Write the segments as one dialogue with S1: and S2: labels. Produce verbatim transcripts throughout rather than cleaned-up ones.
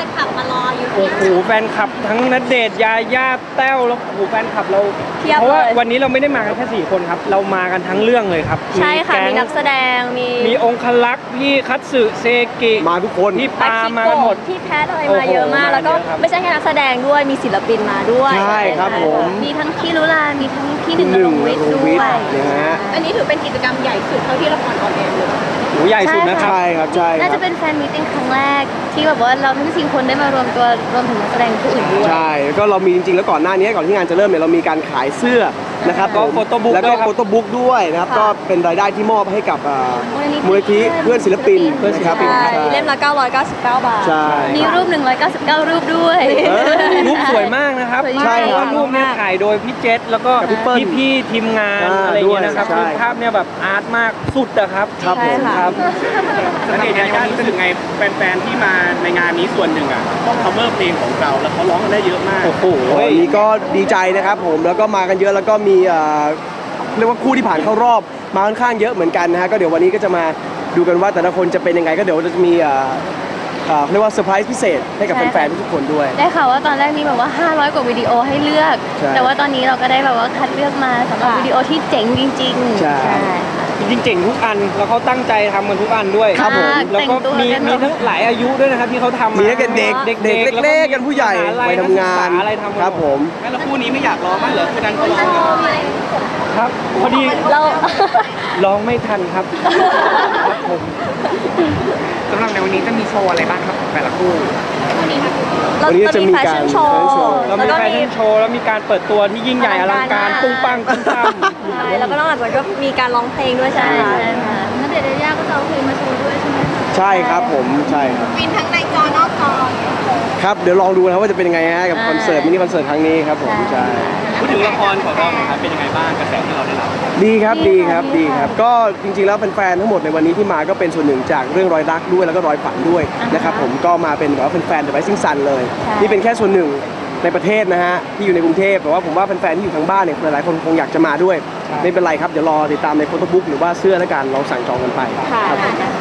S1: นคลับมารออยู่
S2: โอ้โหแฟนคลับทั้งณเดชน์ยาย่าแต้วแล้วโอ้โหแฟนคลับเราเพราะว่าวันนี้เราไม่ได้มากันแค่สี่คนครับเรามากันทั้งเรื่องเลยครับ
S1: ใช่ค่ะมีนักแสดงมี
S2: มีองคลักษ์พี่คัตสึเซกิ
S3: มาทุกคน
S2: พี่ปามากันหมด
S1: พี่แพทอะไรมาเยอะมากแล้วก็ไม่ใช่แค่นักแสดงด้วยมีศิลปินมาด้วย
S3: ใช่ครับผม
S1: มีทั้งพี่ลุลามีทั้งพี่หนึ่งลงวิทย์ด้วยอันนี้ถือเป็นกิจกรรมใหญ่สุดเท่าที่ละครออนแอร์เลย
S2: โอ้ใหญ่สุดนะครับ
S3: ใช่ครับใช่
S1: น่าจะเป็นแฟนมีตติ้งครั้งแรกที่แบบว่าเราทั้งสี่คนได้มารวมตัวรวมถึงนักแสดงผู้อื่นด้วย
S3: ใช่ก็เรามีจริงๆแล้วก่อนหน้านี้ก่อนที่งานจะเริ่มเนี่ยเรามีการขายเสื้อนะครับ
S2: ก็โฟโต้บุ๊ก
S3: แล้วก็โฟโต้บุ๊กด้วยนะครับก็เป็นรายได้ที่มอบให้กับมูลนิธิเพื่อนศิลปิน
S1: เพื่อนศิลปินเล่มละเก้าร้อยเก้าสิบเก้าบาทมีรูปหนึ่งร้อยเก้าสิบเก้ารูปด้วย
S2: รูปสวยมากนะครับ
S3: ใช่
S2: ว่ารูปเนี่ยถ่ายโดยพี่เจษแล้วก็พี่พี่ทีมงานอะไรอย่างเงี้ยนะครับภาพเนี่ยแบบอาร์ตมากสุดนะครับ
S3: ครับผม
S2: ครับ
S4: แล้วเด็กยารู้สึกไงแฟนๆที่มาในงานนี้ส่วนหนึ่งอ่ะต้อง cover เพลงของเราแล้วเขาร้องกันได้เยอะมาก
S3: โอ้โหนี่ก็ดีใจนะครับผมแล้วก็มากันเยอะแล้วก็มีเรียกว่าคู่ที่ผ่านเข้ารอบมาค่อนข้างเยอะเหมือนกันนะฮะก็เดี๋ยววันนี้ก็จะมาดูกันว่าแต่ละคนจะเป็นยังไงก็เดี๋ยวจะมีเรียกว่าเซอร์ไพรส์พิเศษให้กับแฟนๆทุกคนด้วย
S1: ได้ข่าวว่าตอนแรกมีแบบว่าห้าร้อยกว่าวิดีโอให้เลือกแต่ว่าตอนนี้เราก็ได้แบบว่าคัดเลือกมาสำหรับวิดีโอที่เจ๋งจริงๆ
S3: ใช่
S2: จริงๆเจ๋งทุกอันแล้วเขาตั้งใจทำกันทุกอันด้วย
S3: ครับผม
S2: แล้วก็มีมีทั้งหลายอายุด้วยนะครับที่เขาทำ
S3: มีทั้งเด็กเด็กเด็กเล็กๆกันผู้ใหญ่ไปทำงาน
S2: อะไรทำ
S3: ครับผม
S4: แล้วคู่นี้ไม่อยากร้องมั้ยเหรอคู่นั้นเขาร้อง
S2: ครับพอดี
S1: เรา
S2: ร้องไม่ทันครับครับผม
S4: สำหรับในวันนี้จะมีโชว์อะไรบ้างครับแต่ละคู่
S1: เราจะมีแฟชั่นโชว์
S2: เรามีแฟชั่นโชว์แล้วมีการเปิดตัวที่ยิ่งใหญ่อลังการปุ้งปังปุ้งปัง
S1: ใช่แล้วก็นอกจากนั้นก็มีการร้องเพลงด้วยใช่ไหมคะณเดชน์ยาย่าก็จะเอาเพลงมาโชว์ด้วยใช่ไหม
S3: ใช่ครับผมใช่ครับ
S1: วินทั้งในจอนอกจอ
S3: ครับเดี๋ยวลองดูนะว่าจะเป็นยังไงฮะกับคอนเสิร์ตมินิคอนเสิร์ตครั้งนี้ครับผมใช่
S4: พูดถึงละครของเราครับเป็นยังไงบ้างกระแสที่เราได้รับ
S3: ดีครับดีครับดีครับก็จริงๆแล้วแฟนๆทั้งหมดในวันนี้ที่มาก็เป็นส่วนหนึ่งจากเรื่องรอยรักด้วยแล้วก็รอยฝันด้วยนะครับผมก็มาเป็นแบบว่าแฟนๆ The Rising Sun เลยนี่เป็นแค่ส่วนหนึ่งในประเทศนะฮะที่อยู่ในกรุงเทพแต่ว่าผมว่าแฟนๆที่อยู่ทางบ้านเนี่ยหลายๆคนคงอยากจะมาด้วยไม่เป็นไรครับเดี๋ยวรอติดตามในโฟโต้บุ๊กหรือว่าเสื้อแล้วกันลองสั่งจองกันไปครับ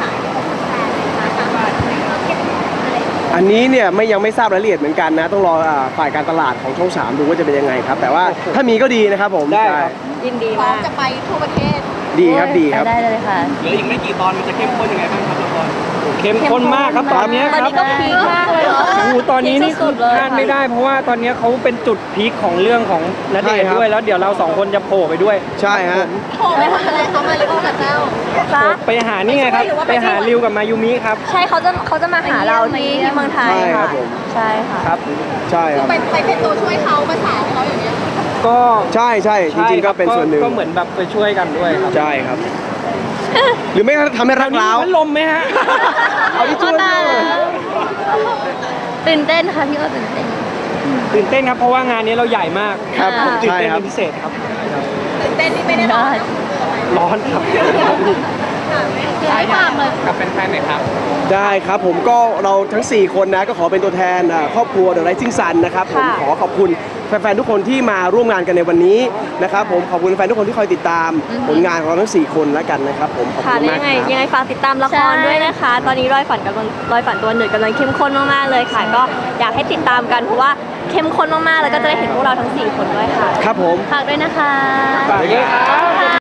S3: อันนี้เนี่ยไม่ยังไม่ทราบรายละเอียดเหมือนกันนะต้องรอฝ่ายการตลาดของช่องสามดูว่าจะเป็นยังไงครับแต่ว่าถ้ามีก็ดีนะครับผม
S2: ได้
S1: ยินดีมากจะไปทั่วประเทศ
S3: ดีครับดีครับ
S1: ได้เลยค่ะ
S4: เหลืออีกไม่กี่ตอนมันจะเข้มข้นยังไงบ้างครับละคร
S2: เข้มข้นมากครับตอนนี้ครับ
S1: ตอนนี้ก็พีคมากเลยเนาะ
S2: โอ้ตอนนี้นี่พลาดไม่ได้เพราะว่าตอนนี้เขาเป็นจุดพีคของเรื่องของณเดชน์ด้วยแล้วเดี๋ยวเราสองคนจะโผล่ไปด้วย
S3: ใช่ฮะ
S1: โผล่ไปทำอะไรเขามาริโอกับเจ้า
S2: ไปหานี่ไงครับไปหาริวกับมายูมิครับ
S1: ใช่เขาจะเขาจะมาหาเราที่ที่เมืองไทยค่ะใช่ค่ะ
S3: ครับใช่ครับ
S1: ไปไปเป็นตัวช่วยเขาภาษาเขาอย่างเงี้ย
S2: ก็
S3: ใช่ใช่จริงๆก็เป็นส่วนหนึ่ง
S2: ก็เหมือนแบบไปช่วยกันด้วยครับ
S3: ใช่ครับหรือไม่ทำให้รักเรา
S2: พัดลมไหมฮะ
S3: เอาที่ช่วย
S1: ตื่นเต้นค่ะพี่ก็ตื่นเต้น
S2: ตื่นเต้นครับเพราะว่างานนี้เราใหญ่มาก
S3: ครับ
S2: ตื่นเต้นเป็นพิเศษครับ
S1: ตื่นเต้นที่ไม่ได้ร้อน
S2: ร้อนครับ
S1: ให้ความเลย
S4: กับแฟนๆหน่อยครับ
S3: ได้ครับผมก็เราทั้งสี่คนนะก็ขอเป็นตัวแทนครอบครัว The Rising Sun นะครับผมขอขอบคุณแฟนๆทุกคนที่มาร่วมงานกันในวันนี้นะครับผมขอบคุณแฟนทุกคนที่คอยติดตามผลงานของเราทั้งสี่คนแล้วกันนะครับผมขอบคุณมากครับ
S1: ยังไงฝากติดตามละครด้วยนะคะตอนนี้รอยฝันกำลังรอยฝันตัวหนึ่งกำลังเข้มข้นมากๆเลยค่ะก็อยากให้ติดตามกันเพราะว่าเข้มข้นมากๆแล้วก็จะได้เห็นพวกเราทั้งสี่คนด้วยค่ะ
S3: ครับผม
S1: ฝากด้วยนะคะ
S2: ฝากด้วยครับ